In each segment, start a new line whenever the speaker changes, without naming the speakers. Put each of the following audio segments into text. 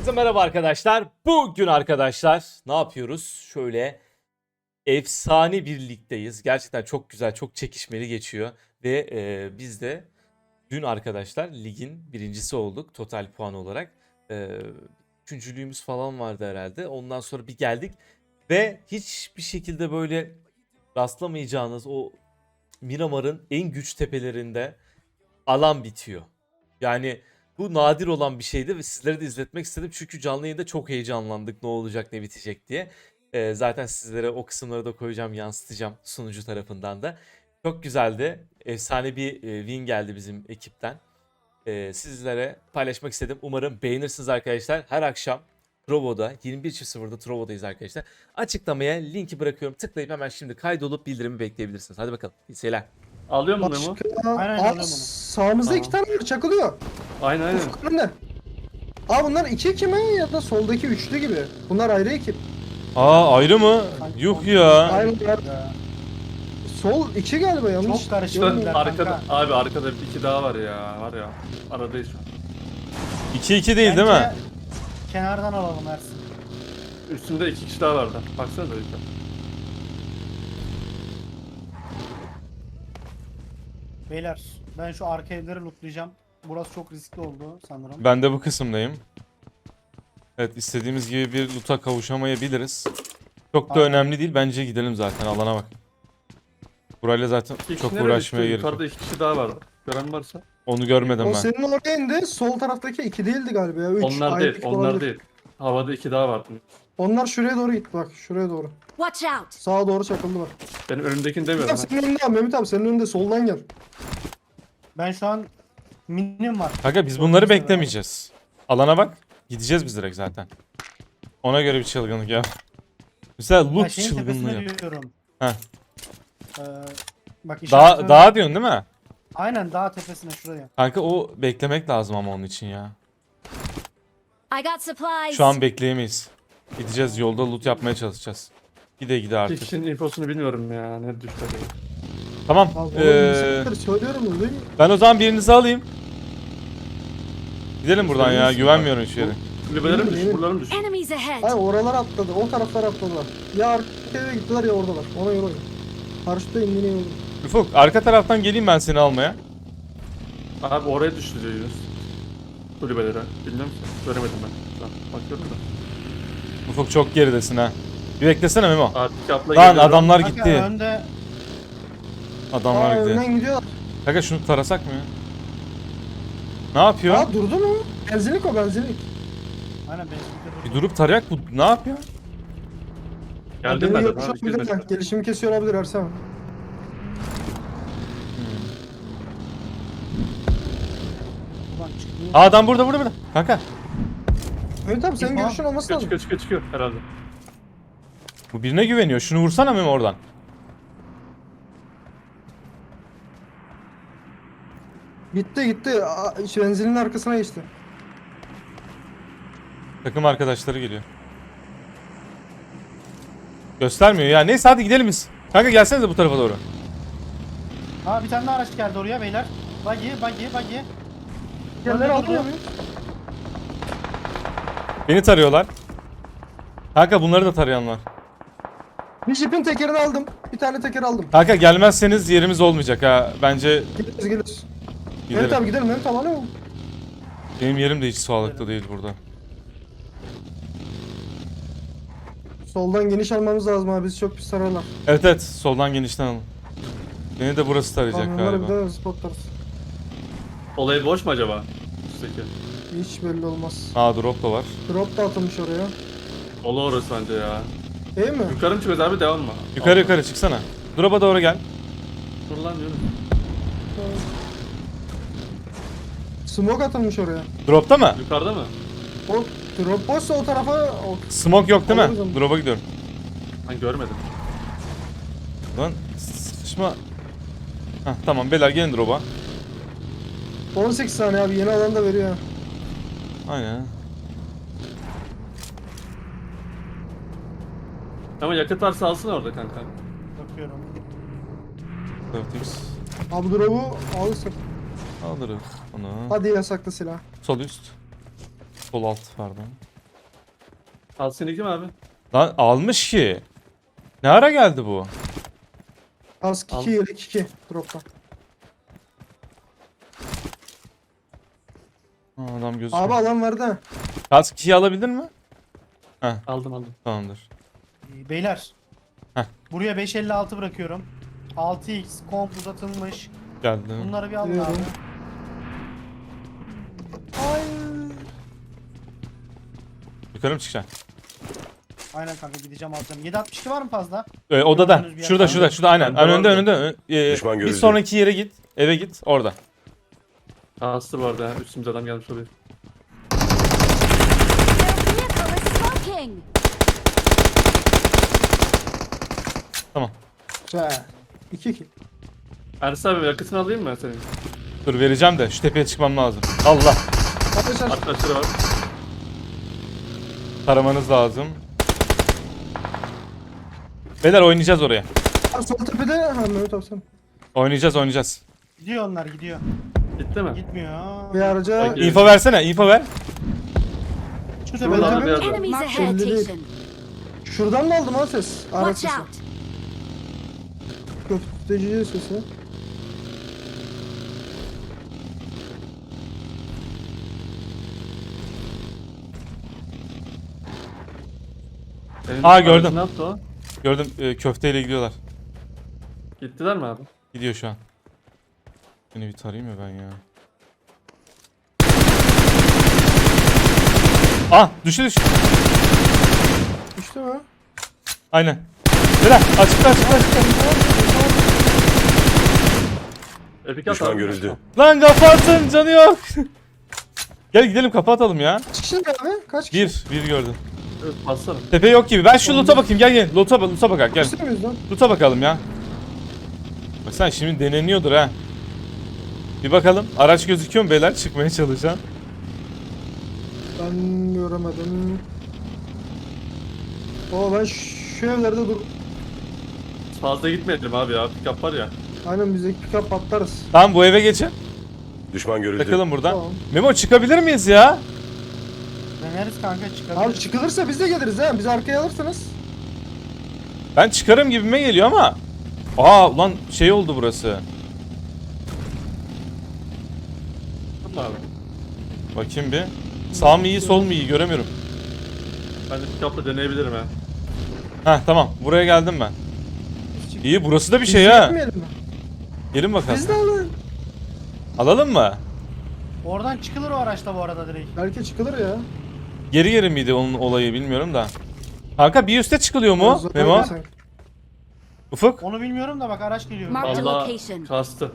Herkese merhaba arkadaşlar. Bugün arkadaşlar ne yapıyoruz? Şöyle efsane bir ligdeyiz. Gerçekten çok güzel, çok çekişmeli geçiyor. Ve biz de dün arkadaşlar ligin birincisi olduk total puan olarak. Üçüncülüğümüz falan vardı herhalde. Ondan sonra bir geldik. Ve hiçbir şekilde böyle rastlamayacağınız o Miramar'ın en güç tepelerinde alan bitiyor. Yani bu nadir olan bir şeydi ve sizlere de izletmek istedim. Çünkü canlı yayında çok heyecanlandık ne olacak ne bitecek diye. Zaten sizlere o kısımları da koyacağım, yansıtacağım sunucu tarafından da. Çok güzeldi. Efsane bir win geldi bizim ekipten. Sizlere paylaşmak istedim. Umarım beğenirsiniz arkadaşlar. Her akşam Trovo'da 21.00'da Trovo'dayız arkadaşlar. Açıklamaya linki bırakıyorum. Tıklayıp hemen şimdi kaydolup bildirimi bekleyebilirsiniz. Hadi bakalım. İyi seyirler.
Alıyor mu Memo?
Aynen,
Aa,
alıyorum onu.
sağımızda iki tane var çakılıyor.
Aynen aynen.
Ufuk önünde. Aa bunlar iki ekip mi ya da soldaki üçlü gibi. Bunlar ayrı ekip.
Aa ayrı mı? Yuh ya.
Aynen.
Ya,
Sol iki galiba yanlış.
Çok karışık.
görmüyorum.
Kanka.
Arkada, abi arkada iki daha var ya. Var ya. Aradayız şu an.
2-2 değil değil mi?
Bence kenardan alalım Ersin.
Üstünde iki kişi daha vardı. Baksana da lütfen.
Beyler ben şu arka evleri lootlayacağım. Burası çok riskli oldu sanırım.
Ben de bu kısımdayım. Evet istediğimiz gibi bir loot'a kavuşamayabiliriz. Çok da
Aynen.
önemli değil. Bence gidelim zaten alana bak. Burayla zaten
İki kişi
çok
nereye
uğraşmaya
düştü?
gerek yok.
Yukarıda iki kişi daha vardı. Gören varsa.
Onu görmedim
O
ben.
senin oraya indi. Sol taraftaki iki değildi galiba ya. Üç.
Onlar
ayrı
değil,
ekip
onlar
olabilir.
değil. Havada iki daha vardı.
Onlar şuraya doğru gitti bak. Şuraya doğru.
Watch out!
Sağa doğru çakıldı bak.
Benim önümdekini
Mehmet
demiyorum.
abi senin önünde abi. Mehmet abi senin önünde soldan gel.
Ben şu an minim var.
Kanka biz bunları beklemeyeceğiz. Alana bak. Gideceğiz biz direkt zaten. Ona göre bir çılgınlık ya. Mesela
Ha,
loot
şeyin
çılgınlığı
tepesine
yap.
diyorum.
Heh.
Ee, bak
Dağa diyorsun değil mi?
Aynen dağ tepesine şuraya.
Kanka o beklemek lazım ama onun için ya.
I got supplies.
Şu an bekleyemeyiz. Gideceğiz yolda loot yapmaya çalışacağız. Gide
İki
artık.
kişinin infosunu bilmiyorum ya. Ne düştü acaba?
Tamam.
Abi oğlum söylüyorum öyle değil mi?
Ben o zaman birinizi alayım. Gidelim buradan ya. Güvenmiyorum hiçbir yere.
Kulübelerim
Yemin-
düş, buralarım düş.
Enemies ahead.
Hayır oralara atladı. O taraflara atladılar. Ya arkaya gittiler ya oradalar. Ona göre oyun. Paraşütle indiğine göre.
Ufuk arka taraftan geleyim ben seni almaya.
Abi oraya düştü diyor Yunus. Kulübelere. Bilmiyorum ki. Göremedim ben. Şu an bakıyorum da.
Ufuk çok geridesin ha. Bir beklesene Memo.
Abi kapla
Lan
geliyorum.
adamlar
Kanka
gitti.
önde
Adamlar gitti.
önden gidiyorlar.
Kanka şunu tarasak mı ya? Ne yapıyor?
Aa durdu mu? Benzinlik o benzinlik.
aynen benzinlikte
Bir
dur.
durup tarayak bu ne yapıyor?
Geldim
Beni
ben de.
yapmış
Abi,
olabilirler. Gelişimi kesiyor olabilir Ersem.
Ulan çıkmıyor.
Aa, adam burada. Kanka
Mehmet abi senin
İpa.
görüşün olması lazım.
Çıkıyor herhalde.
bu birine güveniyor. Şunu vursana Memo oradan.
Gitti. Şu benzinin arkasına geçti.
Takım arkadaşları geliyor. Göstermiyor ya. Neyse hadi gidelim biz. Kanka gelsenize bu tarafa doğru.
Aa bir tane daha araç geldi oraya beyler. Buggy.
Yerleri
Orada
almıyor
durdu.
muyuz?
Beni tarıyorlar. Kanka bunları da tarayan var.
Bir jipin tekerini aldım. Bir tane teker aldım.
Kanka gelmezseniz yerimiz olmayacak ha. Bence
Geliriz. Mehmet
gidelim.
abi gidelim. Mehmet abi alıyor mu?
Benim yerim de hiç sağlıklı değil burada.
Soldan geniş almamız lazım abi. Biz çok pis sararlar.
Evet soldan genişten alın. Beni de burası tarayacak
Kamyonları bir
galiba.
de spotlarız.
Olayı boş mu acaba? Üstteki.
Hiç belli olmaz.
Aa drop da var.
Drop da atılmış oraya.
Ola orası bence ya.
Değil mi?
Yukarı mı çıkıyoruz abi devam mı?
Yukarı çıksana. Drop'a doğru gel.
Dur lan diyorum.
Smoke atılmış oraya.
Drop'ta mı?
Yukarıda mı?
O drop boşsa o tarafa
Smoke yok değil
Alırız
mi?
onu.
Drop'a gidiyorum.
Ben görmedim.
Lan sıkışma. Heh, tamam beyler gelin drop'a.
18 saniye abi yeni alan da veriyor.
Aynen.
Ama yakıt varsa alsın orada kanka.
Bakıyorum.
4x.
Abi drop'u alırsak.
Alırız onu.
Hadi yasaklı silah.
Sol üst. Sol alt pardon.
Al seni kim abi?
Lan almış ki. Ne ara geldi bu?
Kask
Al.
2 yelek 2 drop'tan.
Ha, adam gözüküyor.
Abi alan verdi ha.
Kask 2'yi alabildin mi?
Aldım.
Tamamdır.
Beyler.
Heh.
Buraya 556 bırakıyorum. 6x komp uzatılmış.
Geldi.
Bunları bir alın
Biliyorum.
abi.
Yukarı mı çıkacaksın?
Aynen kanka gideceğim alacağım. 762 var mı fazla?
Odada.
Gördüğünüz bir yer
Şurada
var.
şurada şurada aynen.
Bende
Önünde
vardı.
önünde.
Düşman
Bir
görüldü.
sonraki yere git. Eve git. Orada.
Kastı bu arada ya. Üstümüze adam gelmiş oluyor.
Their vehicle is smoking.
Tamam.
Güzel. 2 2.
Ersin abi yakıtını alayım mı senin?
Dur vereceğim de şu tepeye çıkmam lazım. Allah.
Arkadaşlar
Arkadaşları var.
Taramanız lazım. Beyler oynayacağız oraya.
abi sol tepede ha Mehmet abi sen.
Oynayacağız.
Gidiyor onlar gidiyor.
Gitti mi?
Gitmiyor.
Bir araca
Peki.
Info versene. Info ver.
Şu
Şuradan
tepede.
bir yerde.
Enemies
Mark
ahead,
belli değil.
Tation.
şuradan mı aldım ha ses? Araç
Watch
sesi.
out.
Köfteci sesi.
Senin
Aa, gördüm.
aracın Ne yaptı o?
Gördüm köfteyle gidiyorlar.
Gittiler mi abi?
Gidiyor şu an. Beni bir tarayayım mı ben ya? Ah düştü.
İşte mi?
Aynen. Beyler açıkta.
Epik at
Düşman
abi.
görüldü.
Lan kafa atın canı yok. Gel gidelim kafa atalım ya.
Kaç kişi abi? Kaç kişi?
Bir gördüm.
Evet, bassana.
Tepe yok gibi. Ben şu loot'a bakayım. Gel. Loot'a bakak gel.
İşte miyiz lan?
Loot'a bakalım ya. Bak sen şimdi deneniyordur ha. Bir bakalım. Araç gözüküyor mu beyler? Çıkmaya çalışan.
Ben göremedim. Ben şu evlerde dur.
Fazla gitmeyelim abi ya. Pick up var ya.
Aynen bizdeki pick-up patlarız.
Tamam bu eve geçin.
Düşman görüldü.
Takılın buradan.
Tamam.
Memo çıkabilir miyiz ya?
Deneriz kanka çıkabilir.
Abi çıkılırsa biz de geliriz ha. Bizi arkaya alırsınız.
Ben çıkarım gibime geliyor ama. Aa ulan şey oldu burası.
Tamam abi.
Bakayım bir. Sağ mı iyi sol mu iyi göremiyorum.
Ben de pick up'la deneyebilirim ha.
Heh tamam buraya geldim ben. İyi burası da bir
Biz
şey
de
ha.
gitmeyelim mi?
Gelin bakalım.
Biz de alın.
Alalım mı?
Oradan çıkılır o araçta bu arada direkt.
Belki çıkılır ya.
Geri miydi onun olayı bilmiyorum da. Kanka bir üste çıkılıyor mu
Zor
Memo?
değil sanki.
Ufuk?
Onu bilmiyorum da bak araç geliyor.
Mark the
Allah
location.
kastı.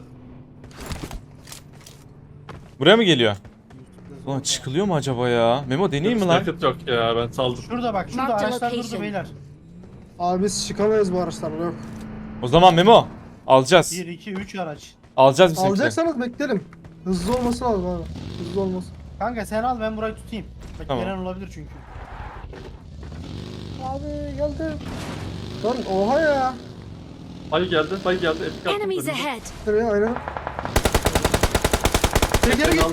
Buraya mı geliyor? Ulan çıkılıyor mu acaba ya? Memo deneyeyim mi lan?
Yakıt yok ya ben saldım.
Şurada bak şurada
Mark the
araçlar durdu
location.
beyler.
Abi biz çıkamayız bu araçlarla yok.
O zaman Memo alacağız.
1, 2, 3 araç.
Alacağız bizimkileri.
Alacaksanız beklerim. Hızlı olması lazım abi. Hızlı olması.
Kanka sen al ben burayı tutayım. Bak
Tamam.
gelen olabilir çünkü.
Abi geldi. Lan oha ya.
Bay geldi. Epic up.
Enemies ahead.
Nereye aynen. Geri git.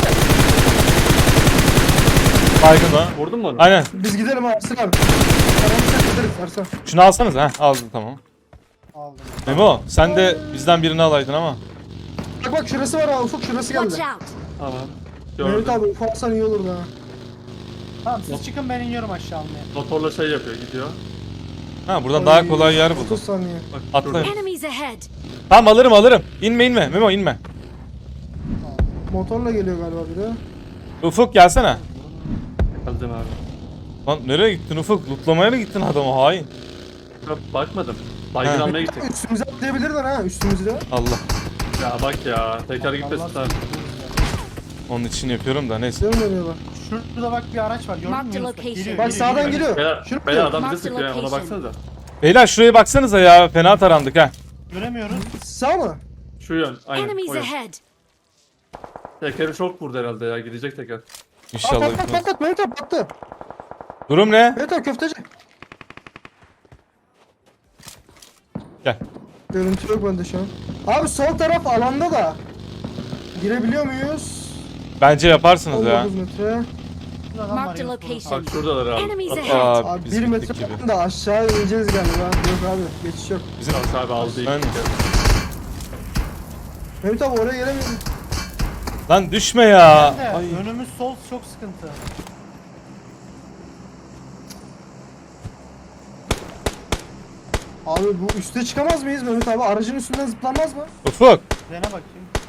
Baygın o.
Vurdun mu onu?
Aynen.
Biz gidelim abi Ersin abi. Aramızda gideriz Ersin.
Şunu alsanız ha. Aldım tamam.
Aldım.
Memo sen de bizden birini alaydın ama.
Bak şurası var abi Ufuk şurası
Watch
geldi.
out.
Tamam.
Mehmet
Gördüm.
abi Ufuk alsan iyi olur da.
Tamam siz çıkın ben iniyorum aşağı almaya.
Motorla şey yapıyor gidiyor.
Ha buradan daha kolay yer
30
buldum.
saniye.
Bak
Atlayın.
şurada.
Enemies ahead.
Tamam alırım. İnme. Memo inme.
Motorla geliyor galiba biri.
Ufuk gelsene.
Geldim abi.
Lan nereye gittin Ufuk? Lootlamaya mı gittin adamı hain?
Yok, bakmadım. Baygın
Ha.
almaya gittik.
Üstümüze atlayabilirler ha üstümüzde.
Allah.
Ya bak ya. Teker gitmesin
Allah
sen.
Onun için yapıyorum da neyse.
Değil mi dönüyorlar?
Şurada bak bir araç var gördün
Mark
mü
the
Yunus? Bak,
location.
geliyor,
Bak sağdan geliyor.
Beyler,
Şuraya
beyler
gidiyor.
adam
Mark
bizi
the
sıkıyor ya, ona
location.
baksanıza.
Beyler şuraya baksanıza ya. Fena tarandık ha.
Göremiyoruz.
Sağ mı?
Şu yön, aynen
Enemies
o yön.
ahead.
Tekeri çok vurdu herhalde ya, gidecek teker.
İnşallah.
Patlat
gitmez.
patlat Mehmet abi battı.
Durum ne?
Mehmet abi köfteci.
Gel.
Görüntü yok bende şu an. Abi sol taraf alanda da. Girebiliyor muyuz?
Bence yaparsınız ya.
19 metre.
Şurada adam var
Marked a
Yunus, burada.
location.
Bak şuradalar abi.
Enemies
At-
ahead.
Abi
biz
1
bittik
metre
gibi.
falan da aşağı ineceğiz galiba. Yok abi geçiş yok.
Bizim
Yok abi aldı
Ben-
ilk.
Mehmet abi oraya gelemiyorum.
lan düşme ya.
De,
Ay.
önümüz sol çok sıkıntı.
Abi bu üste çıkamaz mıyız Mehmet abi? Aracın üstünden zıplanmaz mı?
Ufuk.
Dene bakayım.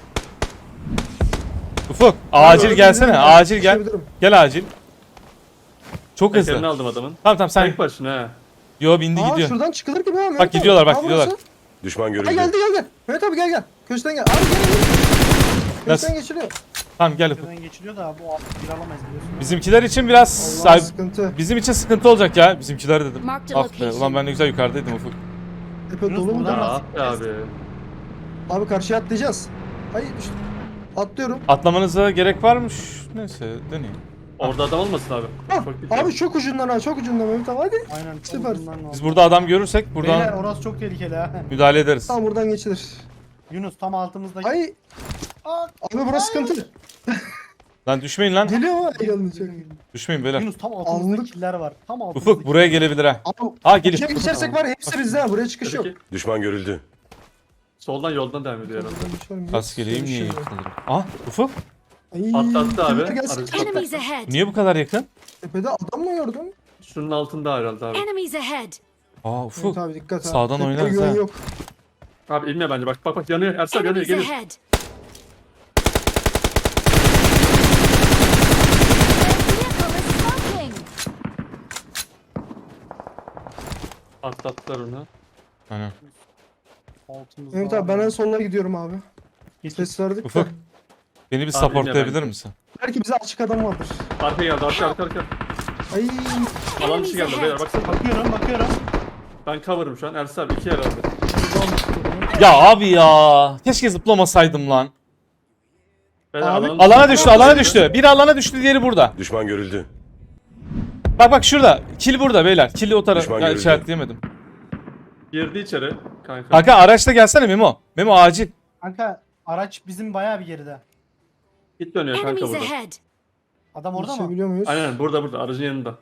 Ufuk. Acil
Abi,
gelsene.
öyle
Acil gel.
düşebilirim.
Gel acil. Çok
Tekerini
hızlı.
aldım adamın.
Tamam tamam sen.
Tek başına ha.
Yo bindi
Aa
gidiyor.
şuradan çıkılır gibi ha Mehmet
Bak
abi.
gidiyorlar, bak
Aa,
gidiyorlar.
burası.
Düşman
Ha
görüldü.
geldi gel. Mehmet abi gel. Köşeden gel. Abi gel.
Nasıl?
Köşeden geçiliyor.
Tamam gel Ufuk.
Şuradan geçiliyor da bu bir alamayız biliyorsun.
Bizimkiler için biraz
Allah sıkıntı.
bizim için sıkıntı olacak ya. Bizimkiler dedim.
Marked a
Ah be,
location.
ulan ben ne güzel yukarıdaydım Ufuk.
Tepe
Yunus
dolu mu
buradan
da?
nasıl
Ah be abi.
Abi karşıya atlayacağız. Hayır düştüm. Atlıyorum.
Atlamanıza gerek varmış. Neyse deneyeyim.
Orada adam olmasın abi.
Ah,
Çok dikkat.
abi çok ucundan ha çok ucundan Mehmet abi hadi.
Aynen.
Süper.
Biz burada adam görürsek buradan
Beyler orası çok tehlikeli ha.
müdahale ederiz.
Tamam buradan geçilir.
Yunus tam altımızda.
Ay
Aa,
abi burası sıkıntı.
Lan düşmeyin lan.
Geliyor mu? Ay gelmeyecek.
Düşmeyin beyler.
Yunus tam altımızda
Anlık.
killer var. Tam altımızda.
Ufuk buraya gelebilir ha.
Abi
Ha geliyor.
içeri geçersek var ya, hepsi bizde ha. Buraya çıkış yok.
Peki.
Düşman görüldü.
Soldan yoldan devam ediyor herhalde.
Kas geleyim niye
Şey
yıkılırım? Ah Ufuk.
Ay,
Atlattı abi.
tepe gelsin.
Aracı
Enemies ahead.
Niye bu kadar yakın?
Tepede adam mı gördün?
Şunun altında herhalde abi.
Enemies ahead.
Aa Ufuk.
Evet abi dikkat ha.
Sağdan
Tepeye
oynarız
güven
ha.
yok.
Abi inme bence bak yanıyor. Ersel yanıyor
Enemies
gelir.
ahead. Vehicle is smoking.
Atlattılar onu.
Aynen.
Altımızda.
Mehmet abi ben en sonuna gidiyorum abi.
Geç.
Ses verdik.
Ufuk.
de.
Beni bir
Abi,
supportlayabilir
bilmiyorum.
misin?
Belki bize açık adam vardır.
Arka geldi arka.
Ay
Alan dışı geldi beyler baksana.
Bakıyorum.
Ben cover'ım şu an. Ersel abi 2 herhalde.
Ya abi ya. Keşke zıplamasaydım lan.
Beyler,
Abi,
Alana düştü. Biri alana düştü, diğeri burada.
Düşman görüldü.
Bak şurada. Kill burada beyler. Kill'i o tarafa
Düşman
ya,
görüldü.
işaretleyemedim.
Girdi içeri. Kanka.
Kanka araçla gelsene Memo. Memo acil.
Kanka araç bizim bayağı bir geride.
Git dönüyor kanka
Enemies
burada.
ahead.
Adam orada mı?
geçebiliyor muyuz?
Aynen burada aracın yanında.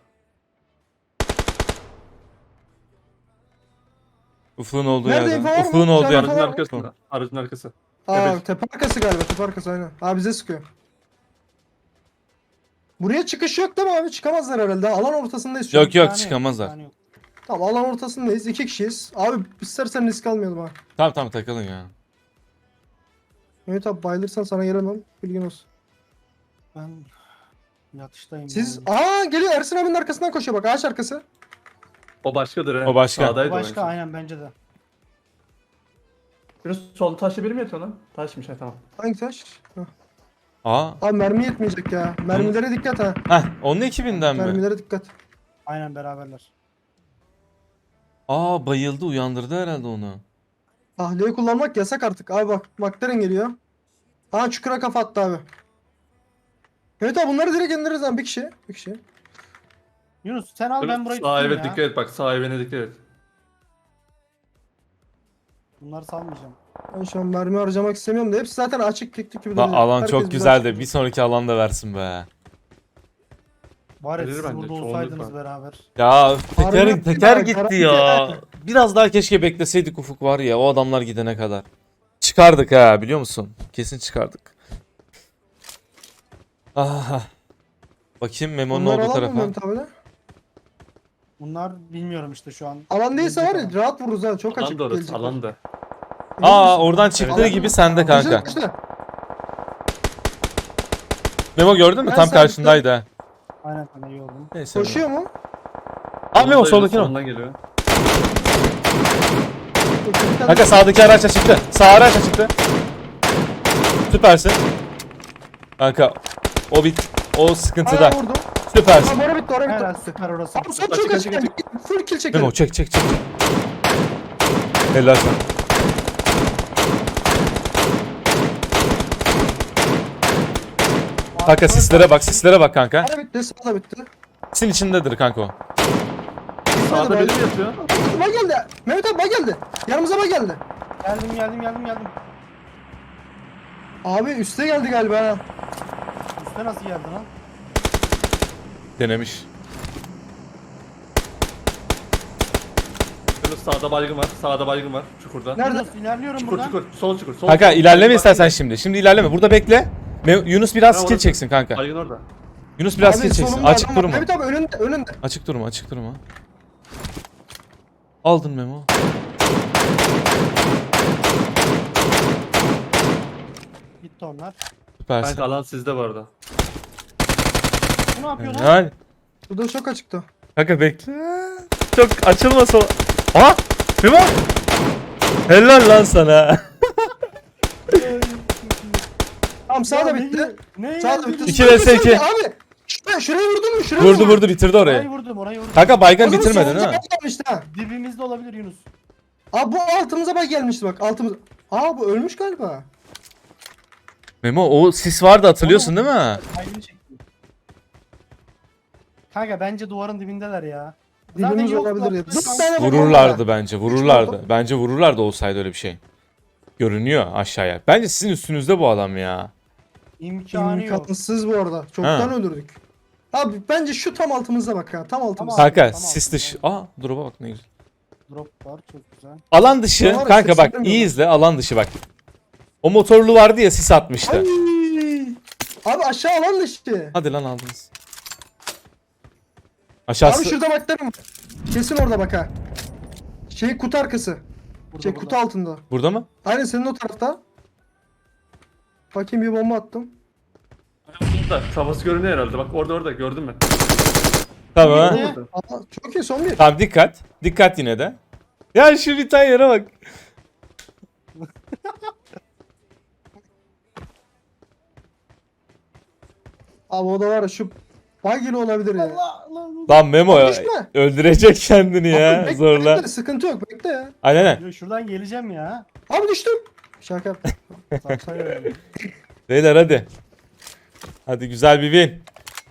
Ufuk'un olduğu
Nerede
yerde.
info var mı?
Ufuk'un olduğu
Sen
yerde.
info
Aracın
var mı?
arkasında. Aracın arkası.
Aa
Evet.
tepe arkası galiba tepe arkası aynen. Abi bize sıkıyor. Buraya çıkış yok değil mi abi? Çıkamazlar herhalde. Alan ortasındayız şu an.
Yok yok
Bir tane
çıkamazlar.
bir tane yok.
Tamam alan ortasındayız. 2 kişiyiz. Abi istersen risk almayalım ha.
Tamam takılın ya.
Mehmet abi bayılırsan sana gelemem. Bilgin olsun.
Ben yatıştayım.
Siz...
yani.
Aa geliyor Ersin abinin arkasından koşuyor bak ağaç arkası.
O başkadır he.
O başka.
Sağdaydı o en
Başka
son.
aynen bence de.
Biraz sol taşlı biri mi yatıyor lan? Taşmış ha tamam.
Hangi taş? Hah.
Aa.
Abi mermi yetmeyecek ya. Mermilere dikkat ha.
Heh onun ekibinden mi?
Mermilere dikkat.
Aynen beraberler.
Aa bayıldı, uyandırdı herhalde onu.
Tahliye kullanmak yasak artık. Abi bak McLaren geliyor. Aa çukura kafa attı abi. Evet abi bunları direkt indiririz abi bir kişi. Bir kişi.
Yunus sen al ben burayı
Sağ
tutayım
eve
ya.
dikkat et bak sağ evine dikkat et.
Bunları salmayacağım.
Ben şu an mermi harcamak istemiyorum da hepsi zaten açık tek gibi
Lan
duruyor.
alan
Herkes
çok
bize
güzel
açık.
de bir sonraki alanda versin be.
Var ya
Verir
siz
bence,
burada
çoğunluk
olsaydınız
var.
beraber.
Ya teker
Harbi
gitti
garanti
ya.
yani.
Biraz daha keşke bekleseydik Ufuk var ya, o adamlar gidene kadar. Çıkardık ha, biliyor musun? Kesin çıkardık. Ah. Bakayım Memo'nun
Bunlar
olduğu
alan mı
tarafa.
Mehmet abi de?
Bunlar bilmiyorum işte şu an.
Alan değilse var ya
Gelecek
rahat vururuz ha çok
Alan
açık
da orası
gelecekler.
alan da.
Aa oradan çıktığı
Evet.
gibi sende
Kaçtı,
kanka.
kaçtı.
Memo gördün mü?
Ben
Tam
sen-
karşındaydı ha.
Aynen sana iyi oldu.
Neyse.
Koşuyor mu?
Aa Memo soldakine bak.
Solundan geliyor.
Kanka sağdaki araçla çıktı. Sağ araçla çıktı. Süpersin. Kanka o sıkıntıda.
Aa vurdum.
Süpersin.
Aa bora bitti oraya
Helal
bitti.
süper orası.
Abi son
Açık,
çok
açık,
açık.
açık.
Full kill çekelim.
Memo çek. Helal sana. Kanka sislere bak kanka.
Bora bitti sağ da bitti.
Sin içindedir kanka o.
Sağda biri mi yatıyor?
Bak geldi. Mehmet abi bak geldi. Yanımıza bak geldi.
Geldim.
Abi üste geldi galiba ha.
Üste nasıl geldi lan?
Denemiş.
Yunus sağda baygın var. Sağda baygın var. Çukurda.
Nerede?
Yunus ilerliyorum
Çukur
buradan.
çukur. Sol çukur. Sol
Kanka
çukur.
ilerleme
Bak,
istersen şimdi. Şimdi ilerleme. Burada bekle. Yunus biraz
Ha,
skill
orası.
çeksin kanka.
Baygın orada.
Yunus biraz
Abi
skill çeksin.
solumda
Açık
adam var.
durma.
Mehmet abi önünde.
Açık durma, açık durma. Aldın Memo.
Gitti onlar.
Süpersin.
Kanka alan sizde bu arada.
Bu ne yapıyor lan?
Yani.
Burada çok açıktı.
Kanka bekle. Çok açılmasa. Aha! Memo! Helal lan sana.
Tamam sağ da
Ya
bitti.
Ne?
Sağ da bitti.
2 vs 2.
Abi şuraya vurdun mu? Şuraya
Vurdu vurdu bitirdi orayı.
Orayı vurdum.
Kanka baygın
O zaman
bitirmedin
solumuza
ha.
bak gelmişti ha.
Dibimizde olabilir Yunus.
Abi bu altımıza bak gelmişti bak altımız. Aa bu ölmüş galiba.
Memo o sis vardı hatırlıyorsun değil mi?
Ayrını çektim. Kanka bence duvarın dibindeler ya.
Dibimiz
yok
olabilir ya.
lan.
4 tane bomba
Vururlardı
var.
bence
Üç
vururlardı.
bomba.
Bence vururlardı olsaydı öyle bir şey. Görünüyor aşağıya. Bence sizin üstünüzde bu adam ya.
İmkanı yok.
İmkansız bu arada. Çoktan
Ha.
öldürdük. Abi bence şu tam altımızda bak ha. Tam altımızda.
Tamam.
Kanka
Tamam,
sis dışı. Aa drop'a bak ne güzel.
Drop var çok güzel.
Alan dışı
Ya var ya,
kanka bak
seslenmiyor
iyi
bak.
izle alan dışı bak. O motorlu vardı ya sis atmıştı.
Ay. Abi aşağı alan dışı.
Hadi lan aldınız.
Abi
Aşağısı.
şurada bak derim. Kesin orada bak ha. Şey kutu arkası.
Burada,
Şey
burada.
kutu altında.
Burada mı?
Aynen senin o tarafta. Bakayım bir bomba attım.
Burada. Kafası görünüyor herhalde. Bak orada gördüm ben.
Tamam.
Ne?
Aa, çok iyi son bir.
Tamam dikkat. Dikkat yine de. Ya şu bir tane yere bak.
Abi o da var ya şu bagili olabilir ya.
Allah Allah.
Lan Memo ya.
Düşme.
Öldürecek kendini
Abi
ya
bekle,
zorla.
bekle, sıkıntı yok bekle ya.
Aynen aynen.
Yo, şuradan geleceğim ya.
Abi düştüm. Şaka yaptım.
Saksayı
Beyler hadi. Hadi güzel bir win.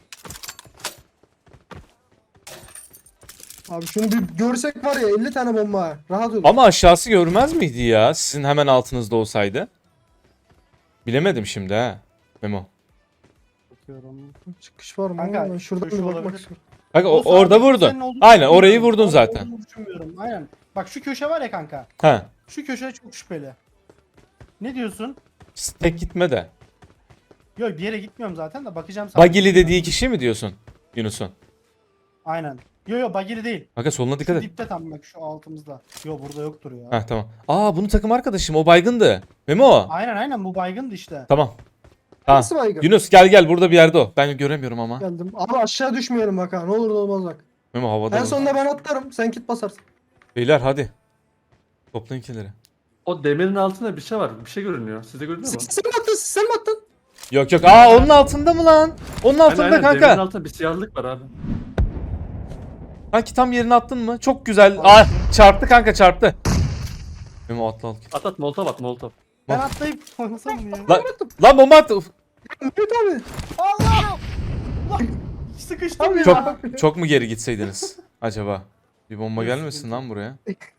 Abi şunu bir görsek var ya 50 tane bomba ha. Rahat olur.
Ama aşağısı görmez miydi ya? Sizin hemen altınızda olsaydı. Bilemedim şimdi ha. Memo.
Bakıyorum.
Çıkış var mı?
Kanka,
Ben şuradan
şu
bir bakmak
olabilir.
istiyorum.
Kanka
O
orada
sağdaki
vurdun.
senin olduğunu
Aynen orayı
düşünmüyorum.
vurdun
Orada
zaten.
olduğunu düşünmüyorum. Aynen. Bak şu köşe var ya kanka.
Ha.
Şu köşe çok şüpheli. Ne diyorsun?
Tek gitme de.
Yok bir yere gitmiyorum zaten de bakacağım sana.
Bagili dediği kişi mi diyorsun Yunus'un?
Aynen. Yo Bagili değil.
Kanka soluna dikkat
Şu
et.
dipte tam bak şu altımızda. Yo burada yoktur ya.
Ha tamam. Aa bunun takım arkadaşım o baygındı. Memo.
Aynen bu baygındı işte.
Tamam. Tamam.
Nasıl baygın?
Yunus gel burada bir yerde o. Ben göremiyorum ama.
Geldim. Abi aşağı düşmeyelim bak ha. Ne olur ne olmaz bak.
Memo havada.
En
mı?
sonunda ben atlarım. Sen kit basarsın.
Beyler hadi. Toplayın killeri.
O demirin altında bir şey var. Bir şey görünüyor. Sizde görünüyor mu?
Sen mi attın? Sen mi attın?
Yok yok. Aa onun altında mı lan? Onun altında
Aynen,
kanka.
Demirin altında bir siyahlık var abi.
Kanki tam yerine attın mı? Çok güzel. Aa çarptı kanka çarptı. Memo atla al.
At molotov at molotov.
Ben atlayıp oynasam mı ya?
Lan bomba attı. Uf.
Mehmet abi.
Allah! Sıkıştım ya.
Çok mu geri gitseydiniz acaba? Bir bomba gelmesin lan buraya.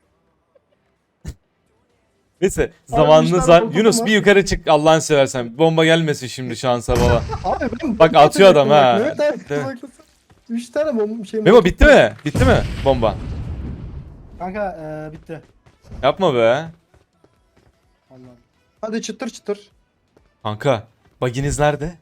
Neyse zamanınız
üç
var.
tane
Yunus
bomba
bir yukarı çık Allah'ını seversen. Bomba gelmesin şimdi şansa bala.
Abi ben
Bak, atıyor adam ha.
Mehmet abi.
Değil mi?
bak, 3 tane bomba şey.
Memo bitti mi? Bitti mi bomba?
Kanka bitti.
Yapma be.
Vallahi.
Hadi çıtır çıtır.
Kanka baginiz nerede?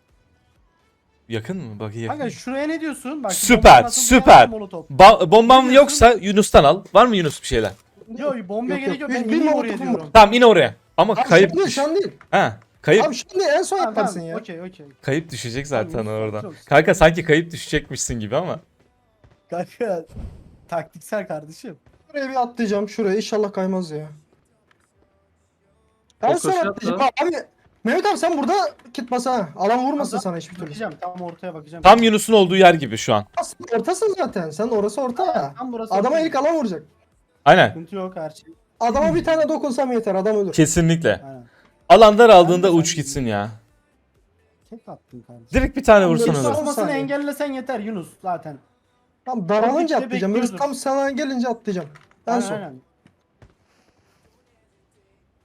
Yakın mı? Bagi yakın.
Kanka
mı?
şuraya ne diyorsun? Bak, şu
Süper,
bomba nasıl
süper.
Molotov.
Bombam
Ne
yoksa Yunus'tan al. Var mı Yunus bir şeyler?
Yo bombaya
Yok,
gerek yok.
yok.
Ben
Bir
ineyim
molotofum
oraya
var.
diyorum.
Tamam in oraya. Ama
Abi
kayıp
şu an değil, şu an değil.
Ha, kayıp
Abi şu an değil en son
Tamam,
yaparsın
tamam.
ya.
Okey.
kayıp düşecek zaten
Tamam,
oradan.
çok-
Kanka sanki kayıp düşecekmişsin gibi ama.
Kanka taktiksel kardeşim.
Şuraya bir atlayacağım şuraya inşallah kaymaz ya.
O
Ben son
köşe
atlayacağım.
atla.
Abi Mehmet abi sen burada kit basa ha. Alan vurmasın
Kanka,
sana hiçbir türlü.
Bakacağım tam ortaya bakacağım.
Tam Yunus'un olduğu yer gibi şu an.
Aslında ortasın zaten. Sen orası orta ya.
Tam burası.
Adama
ortaya.
ilk alan vuracak.
Aynen.
Sıkıntı yok her şey.
Adama bir tane dokunsam yeter adam ölür.
Kesinlikle.
Aynen.
Alan daraldığında
Ben de
uç
sen-
gitsin ya.
Tek attın kardeşim.
Direkt bir tane
Tam
vursan
Yunus
olur.
al-
Olmasını
saniye.
engellesen yeter Yunus zaten.
Tam daralınca
Tam
atlayacağım. Böyle
bekliyordur.
tam sana gelince atlayacağım. En
Aynen,
son.
aynen.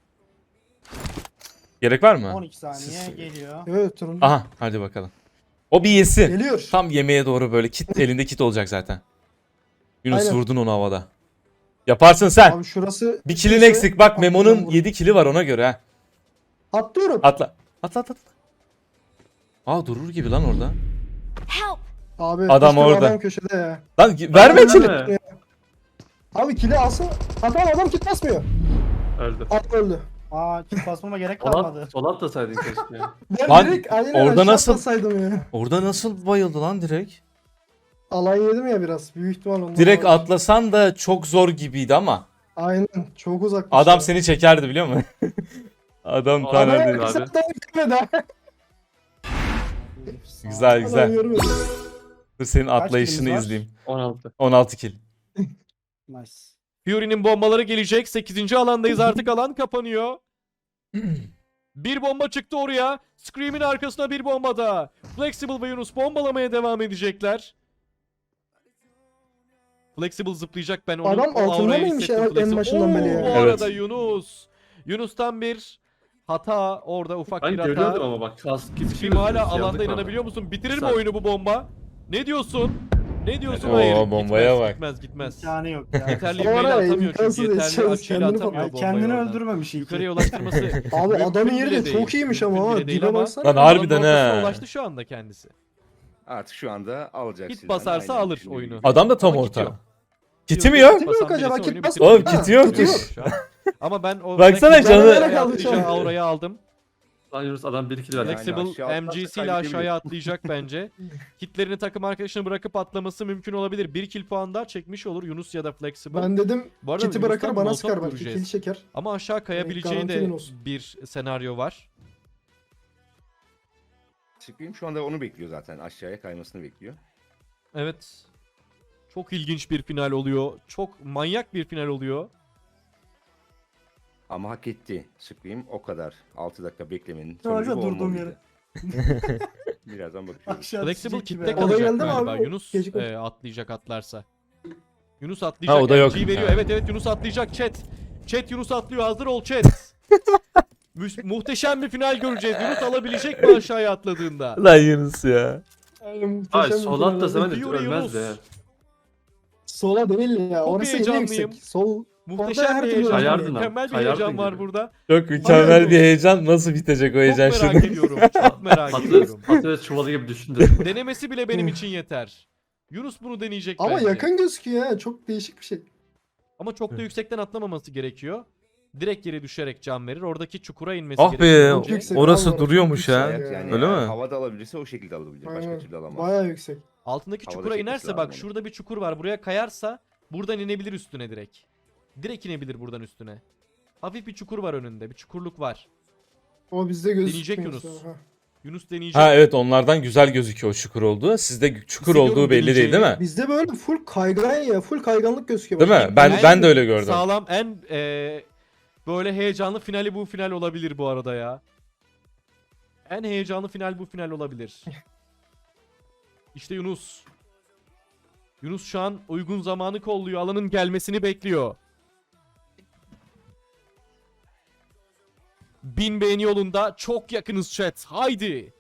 Gerek var mı?
12 saniye
Siz-
geliyor.
Evet durun.
Aha hadi bakalım. O bir yesin.
Geliyor.
Tam yemeğe doğru böyle kit elinde kit olacak zaten. Yunus
Aynen.
vurdun onu havada. Yaparsın sen.
Abi şurası.
Bir kilin
kimse-
eksik. Bak
Atlayacağım
Memo'nun
vur.
7 kili var ona göre ha.
Atlıyorum.
Atla. Atla. Aa durur gibi lan orada.
Help!
Abi
Adam
işte bu
orada.
Adam köşede ya.
Lan verme
Öyle
kili.
mi?
Abi kili alsın. Adam kit basmıyor.
Öldü.
At öldü.
Aa kit basmama gerek kalmadı.
Sol atlasaydın keşke ya.
Ben
Lan,
direkt aynen
orada
aşağı
nasıl-
atlasaydım ya.
Orada nasıl bayıldı lan direkt?
Alay yedim ya biraz. Büyük ihtimal ondan.
Direkt
olabilir.
atlasan da çok zor gibiydi ama.
Aynen. Çok uzak.
Adam seni çekerdi biliyor musun? Adam
Adam-
tanıdı.
abi.
Adam gitmedi ha.
Güzel
Adam
güzel.
görmedi.
Dur senin
Kaç
atlayışını
kilimiz var?
izleyeyim.
16.
16 kill.
Nice.
Fury'nin bombaları gelecek. 8. alandayız artık alan kapanıyor. Bir bomba çıktı oraya. Scream'in arkasına bir bomba da. Flexible ve Yunus bombalamaya devam edecekler. Flexible zıplayacak ben onu.
Adam
o
altında
aurayı
mıymış
hissettim
ya, en
Flexible.
başından beri ya?
Bu
Evet.
arada Yunus. Yunus'tan bir hata orada ufak
Ben
bir hata.
görüyordum ama bak kask gibi bir şey
Scream hala
gözüküyor,
alanda
yandık
inanabiliyor
abi.
musun? Bitirir mi
Sağ-
oyunu bu bomba? Ne diyorsun? Ne diyorsun?
Oo,
Hayır.
bombaya
gitmez,
bak.
Gitmez gitmez.
İmkanı yok ya.
Yeterli
O ara
ivmeyle atamıyor
imkansız
çünkü. Yeterli
yetişemez,
açıyla
kendini
atamıyor
Ay,
bombayı
kendini
oradan.
öldürmemiş iyi ki.
Yukarıya ulaştırması
Abi
mümkün
adamın yeri de
bile
çok
değil.
iyiymiş
Mümkün
ama
bile
ha.
değil
Dibe
ama
baksana.
Lan
alanın
harbiden
ortasına
he.
ulaştı şu anda kendisi.
Artık şu anda alacak
Kit
silahını,
basarsa
aynen
alır
düşündüğü
oyunu.
gibi.
Adam da tam
Ama kit
orta.
yok.
Kiti mi
Diyor,
yok?
kit
Yok
basan
acaba,
birisi
kit
oyunu
bas-
bitirir.
Oğlum kiti yok ki.
Şu an. Ama ben o
Baksana
Flexible'ın
canı-
aşağıya
Nereye kaldı
atlayacağı
şu an?
aurayı aldım.
Lan Yunus adam 1 kill verdi.
Yani
Flexible
aşağı atlarsa
MGC ile
kaybedebilir.
aşağıya atlayacak bence. Kitlerini takım arkadaşına bırakıp atlaması mümkün olabilir. 1 kill puan daha çekmiş olur Yunus ya da Flexible.
Ben dedim
Bu arada
kiti bırakır
Yunus'tan
bana
molotov
sıkar belki.
göreceğiz.
Kill çeker.
Ama aşağı kayabileceği
garanti
de
Yunus.
bir senaryo var.
Scream şu anda onu bekliyor zaten. Aşağıya kaymasını bekliyor.
Evet. Çok ilginç bir final oluyor. Çok manyak bir final oluyor.
Ama hak etti Scream o kadar. 6 dakika beklemenin
Yavaşça
sonucu bu
durdum
olmalıydı. Birazdan bakıyoruz.
Aşağı
Flexible
düşecek gibi.
kitle
O da
kalacak
geldi mi
galiba.
abi? O
Yunus
gecikmedi.
atlayacak atlarsa. Yunus atlayacak.
Ha, o da yok.
MG veriyor.
Ha.
Evet evet Yunus atlayacak chat. Chat Yunus atlıyor. Hazır ol chat. Muhteşem bir final göreceğiz. Yunus alabilecek mi aşağıya atladığında?
Lan Yunus ya.
Aynen, muhteşem
Ay
bir
sol
final
atlasa
oldu.
ben de
Fury
ölmezdi
Yunus.
ya.
Sola değil ya.
Çok
Orası en
heyecanlıyım.
yüksek. Sol.
Muhteşem
her
bir
türlü
heyecan.
Kayardın
Mükemmel
abi,
bir heyecan
kayardın
var
gibi.
burada.
Çok mükemmel bir heyecan. Nasıl bitecek o heyecan
Çok merak
şimdi?
ediyorum. Çok merak
Patates,
ediyorum.
patates çuvalı gibi düşündüm.
Denemesi bile benim için yeter. Yunus bunu deneyecek
Ama
bence.
yakın gözüküyor ha. Çok değişik bir şey.
Ama çok da yüksekten atlamaması gerekiyor. Direkt yere düşerek can verir. Oradaki çukura inmesi
Ah be,
gerekiyor.
Çok yüksek.
orası
Vallahi
duruyormuş
çok
ha.
yüksek
Ayak
ya.
yani
Öyle
eğer
mi?
havada alabilirse o şekilde alabilir. Başka
Aynen.
türlü alamaz.
Bayağı yüksek.
Altındaki
Havada
çukura
çekmesi
inerse
lazım
bak
onu.
şurada bir çukur var. Buraya kayarsa buradan inebilir üstüne direkt. Direkt inebilir buradan üstüne. Hafif bir çukur var önünde. Bir çukurluk var.
O bizde gözüküyor.
Deneyecek Yunus.
mesela, ha.
Yunus deneyecek.
Ha evet onlardan güzel gözüküyor o çukur olduğu. Sizde çukur
Hissediyorum
olduğu belli değil değil mi?
Bizde böyle full kaygan ya. Full kayganlık gözüküyor.
Değil mi? Ben de öyle gördüm.
Sağlam en böyle heyecanlı finali bu final olabilir bu arada ya. En heyecanlı final bu final olabilir. İşte Yunus. Yunus şu an uygun zamanı kolluyor. Alanın gelmesini bekliyor. 1000 beğeni yolunda çok yakınız chat. Haydi.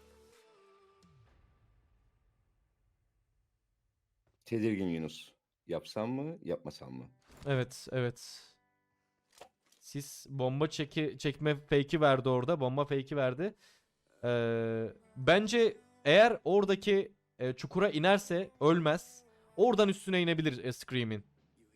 Tedirgin Yunus. Yapsam mı, yapmasam mı?
Evet, evet. Sis bomba çekme fake'i verdi orada. Bomba fake'i verdi. Bence eğer oradaki çukura inerse ölmez. Oradan üstüne inebilir Scream'in.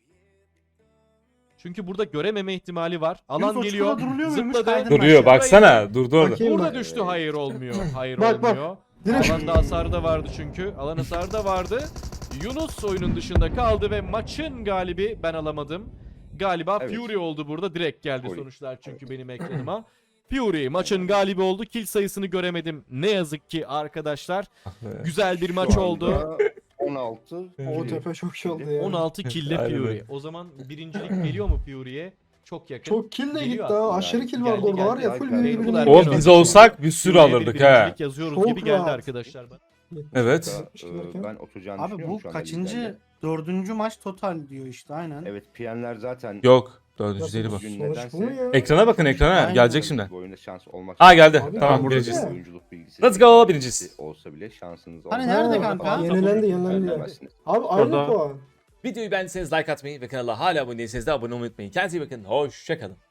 Çünkü burada görememe ihtimali var. Alan
Yunus, o
geliyor.
çukura duruluyor muymuş?
Zıpladı.
Kaydın
Duruyor
aşağı.
baksana. Durdu orada.
Bakayım
Burada
ben.
düştü. Hayır olmuyor. Hayır
Bak, bak.
olmuyor.
Direkt
Alanda hasarı da vardı çünkü. Alan hasarı da vardı. Yunus oyunun dışında kaldı ve maçın galibi ben alamadım. Galiba
Evet.
Fury oldu burada. Direkt geldi
Fury.
sonuçlar çünkü benim ekranıma. Fury maçın galibi oldu. Kill sayısını göremedim. Ne yazık ki arkadaşlar. Güzel bir
Şu
maç
anda
oldu.
16.
o tepe çok şey oldu ya.
16 kill'le
Aynen
Fury.
öyle.
O zaman birincilik geliyor mu Fury'ye? Çok yakın.
Çok kill de gitti
Geliyor
ha.
aslında.
Aşırı kill
Geldi,
vardı orada var ya.
geldi.
Full
Geldi.
birbirine.
Geldi.
O
Evet.
biz olsak bir sürü
Fury'ye bir
alırdık ha.
birincilik yazıyoruz
Çok
gibi geldi
rahat.
arkadaşlar.
Evet.
Ben oturacağını
Abi
düşünüyorum
bu
şu anda
kaçıncı?
liderle.
Dördüncü maç total diyor işte aynen.
Evet, PN'ler zaten
Yok. Dördüncü değil bu.
Sonuç
Bugün
bu mu
nedense
ya?
Ekrana bakın ekrana.
Aynen.
Gelecek şimdi.
bu oyunda şans olmak
Aa, geldi.
Abi,
Tamam
burada
birinciyiz.
değil.
Oyunculuk bilgisi.
Let's go, birinciyiz.
Olsa bile şansınız
Hani
olmaz.
nerede
Ha,
kanka?
Yenilendi yenilendi.
Öldüremezsiniz.
Abi aynı
Orada-
puan.
Videoyu beğendiyseniz like atmayı ve kanala hala abone değilseniz de abone olmayı unutmayın. Kendinize iyi bakın. Hoşçakalın.